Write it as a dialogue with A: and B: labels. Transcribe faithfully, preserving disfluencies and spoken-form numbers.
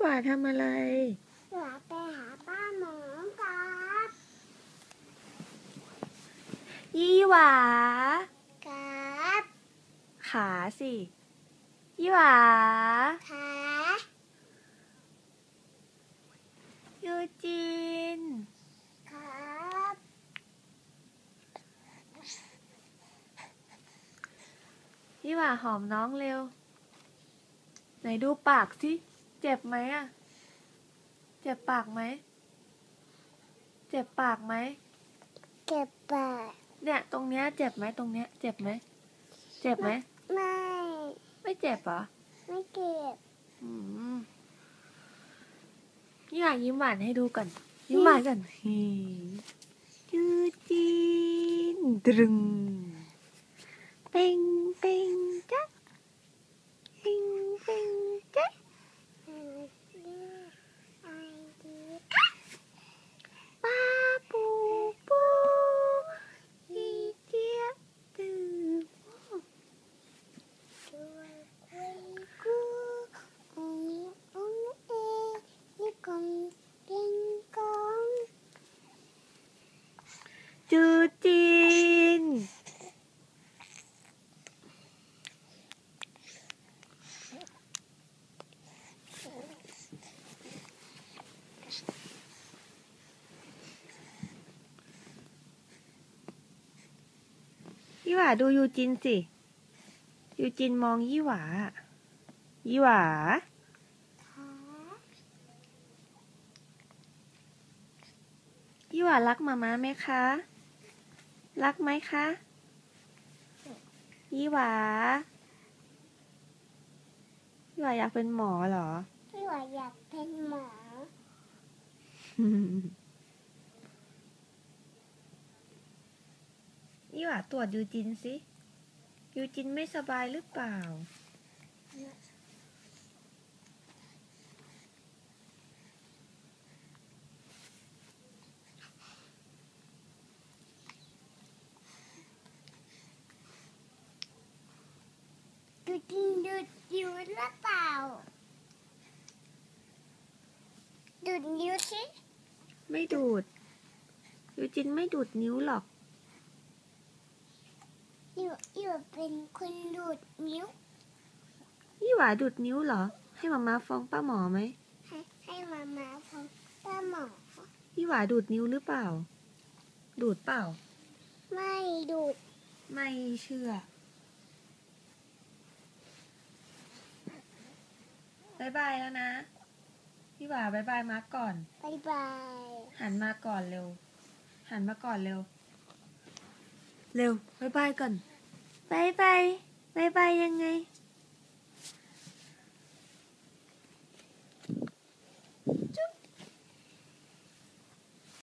A: หวาทำอะไร
B: หวาไปหาป้าหมอครับ
A: ยี่หวา
B: ครับ
A: ขาสิยี่หวา
B: ขา
A: ยูจิน
B: ครับ
A: ยี่หวาหอมน้องเร็วไหนดูปากสิเจ็บไหมอะเจ็บปากไหมเจ็บปากไหม
B: เก็บปาก
A: เนี่ยตรงเนี้ยเจ็บไหมตรงเนี้ยเจ็บไหมเจ็บไหม
B: ไม่
A: ไม่เจ็บเหรอ
B: ไม่เก็บ
A: อืมยี่หวายิ้มหวานให้ดูก่อนยิ้มหวานก่อนฮีจูจีนตรึงเป่งเป่งจ๊ะเป่งเป่งจ๊ะป้าปูปูอีเจี๊ยบตื่นจูจีนยี่หวาดูยูจินสิยูจินมองยี่หวายี่หวายี่หวารักมาม่าไหมคะรักไหมคะยี่หวายี่หวาอยากเป็นหมอเหรอ
B: พี่ว่าอยากเป็นหมอ
A: ยี่หวาตรวจยูจินสิยูจินไม่สบายหรือเปล่า
B: ดูดดูดนิ้วหรือเปล่าดูดนิ้วสิ
A: ไม่ดูดยูจินไม่ดูดนิ้วหรอก
B: อยู่อยู่เป็นคนดูดนิ้ว
A: ยี่หวาดูดนิ้วเหรอให้มาม่าฟ้องป้าหมอไหม
B: ให้ให้มามาฟังป้าหมอ
A: ยี่หวาดูดนิ้วหรือเปล่าดูดเปล่า
B: ไม่ดูด
A: ไม่เชื่อบายบายแล้วนะยี่หวาบายบายมาก่อน
B: บายบาย
A: หันมาก่อนเร็วหันมาก่อนเร็วเร็วบายบายก่อนบายบายบายบายยังไง